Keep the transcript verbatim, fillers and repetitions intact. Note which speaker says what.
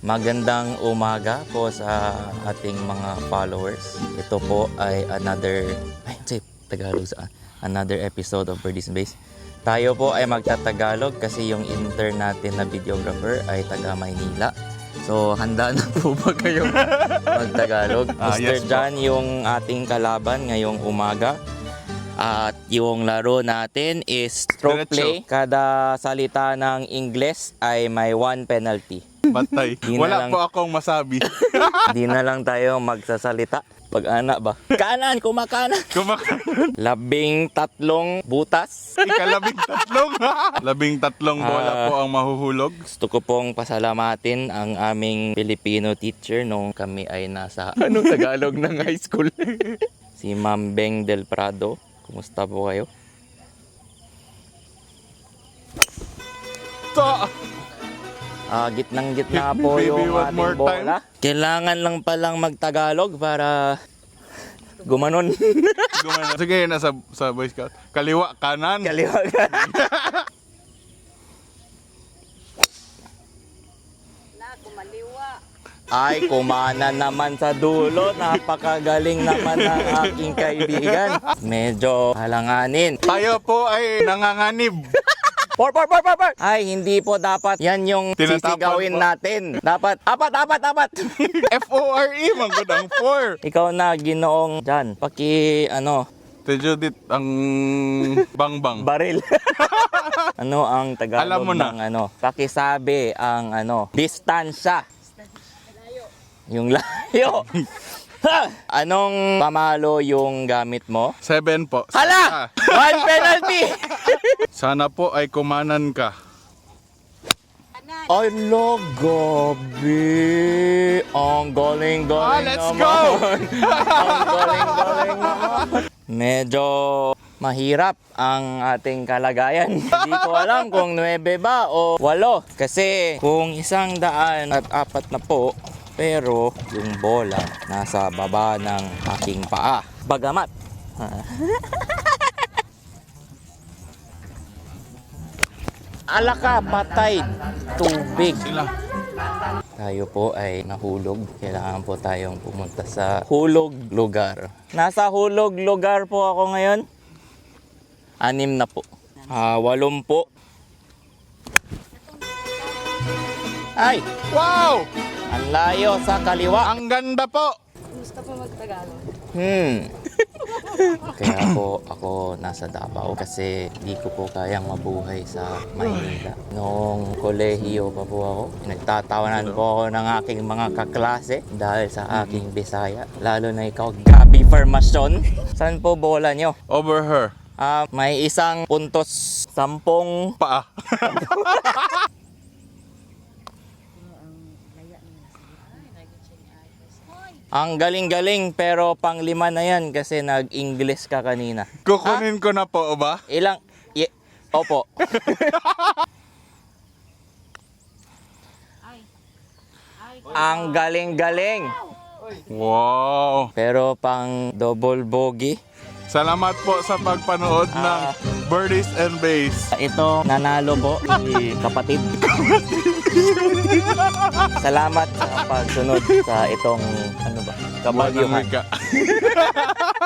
Speaker 1: Magandang umaga po sa ating mga followers. Ito po ay another, ay, say, Tagalog saan? Another episode of Birdies and Bays. Tayo po ay magtatagalog kasi yung intern natin na videographer ay taga Maynila. So, handa na po ba kayong magtagalog?
Speaker 2: Ah,
Speaker 1: Mister
Speaker 2: yes po.
Speaker 1: John, yung ating kalaban ngayong umaga. At yung laro natin is stroke
Speaker 2: Diretso.
Speaker 1: play. Kada salita ng Ingles ay may one penalty.
Speaker 2: Batay.
Speaker 1: Di na
Speaker 2: Wala
Speaker 1: lang-
Speaker 2: po akong masabi.
Speaker 1: Di na lang tayo magsasalita. Pag-ana ba? Kanan, kumakanan.
Speaker 2: Kumakain.
Speaker 1: Labing tatlong butas.
Speaker 2: Ikalabing tatlong. Labing tatlong bola
Speaker 1: Ah.
Speaker 2: po ang mahuhulog.
Speaker 1: Gusto ko pong pasalamatin ang aming Filipino teacher nung kami ay nasa anong Tagalog ng high school. Si Ma'am Beng Del Prado. Kumusta po kayo?
Speaker 2: Ta!
Speaker 1: Ah, gitnang gitna
Speaker 2: Hit me,
Speaker 1: po
Speaker 2: baby,
Speaker 1: yung
Speaker 2: one
Speaker 1: ating
Speaker 2: more
Speaker 1: bola. Kailangan lang palang magtagalog para gumanon.
Speaker 2: Gumana. Sige, nasa sa Boy Scout. Kaliwa, kanan.
Speaker 1: Kaliwa ka.
Speaker 3: Na, kumaliwa.
Speaker 1: Ay, kumana naman sa dulo. Napakagaling naman ng aking kaibigan. Medyo halanganin.
Speaker 2: Tayo po ay nanganganib.
Speaker 1: Por, por, por, por, por. Ay, hindi po dapat. Yan yung
Speaker 2: Tinatapon
Speaker 1: sisigawin
Speaker 2: po.
Speaker 1: natin. Dapat, apat, apat, apat.
Speaker 2: F O R E, manggod ang four.
Speaker 1: Ikaw na, ginoong dyan. Paki, ano,
Speaker 2: Te Judith, ang bangbang.
Speaker 1: baril. Ano ang Tagalog
Speaker 2: Alam mo na.
Speaker 1: ng ano? Pakisabi ang ano, distansya. Yung layo. Ha! Anong pamalo yung gamit mo?
Speaker 2: Seven po.
Speaker 1: Hala! One penalty!
Speaker 2: Sana po ay kumanan ka.
Speaker 3: Kanan.
Speaker 1: Ay, lo, gabi. Ang galing-galing
Speaker 2: Ah, let's
Speaker 1: naman.
Speaker 2: go!
Speaker 1: Ang galing-galing naman. Medyo mahirap ang ating kalagayan. Hindi ko alam kung nuwebe ba o walo. Kasi kung isang daan at apat na po, pero yung bola nasa baba ng aking paa. Bagamat. Alaka, patay, tubig.
Speaker 2: Sila.
Speaker 1: Tayo po ay nahulog. Kailangan po tayong pumunta sa hulog lugar. Nasa hulog lugar po ako ngayon. Anim na po. Ah, walong po. Ay,
Speaker 2: Wow!
Speaker 1: ang layo sa kaliwa.
Speaker 2: Ang ganda po!
Speaker 3: Gusto po magtagalog.
Speaker 1: Hmm. Kaya po ako nasa Davao kasi di ko po kayang mabuhay sa Maynila. Noong kolehiyo pa po ako, nagtatawanan po ako ng aking mga kaklase dahil sa aking Bisaya. Lalo na ikaw, Gabi Formasyon. Saan po bola nyo?
Speaker 2: Over her.
Speaker 1: Ah, may isang puntos, sampung.
Speaker 2: Paa.
Speaker 1: Ang galing-galing pero pang lima na yan kasi nag-English ka kanina.
Speaker 2: Kukunin ko na po ba?
Speaker 1: Ilang? Ye- Opo.
Speaker 3: Ay. Ay.
Speaker 1: Ang galing-galing.
Speaker 2: Wow!
Speaker 1: Pero pang double bogey.
Speaker 2: Salamat po sa pagpanood ng
Speaker 1: Ah.
Speaker 2: Birdies and Bays.
Speaker 1: Ito, nanalo po si kapatid. Salamat sa pagsunod sa itong, ano ba, kabagyuhan.
Speaker 2: Buwan ng wika.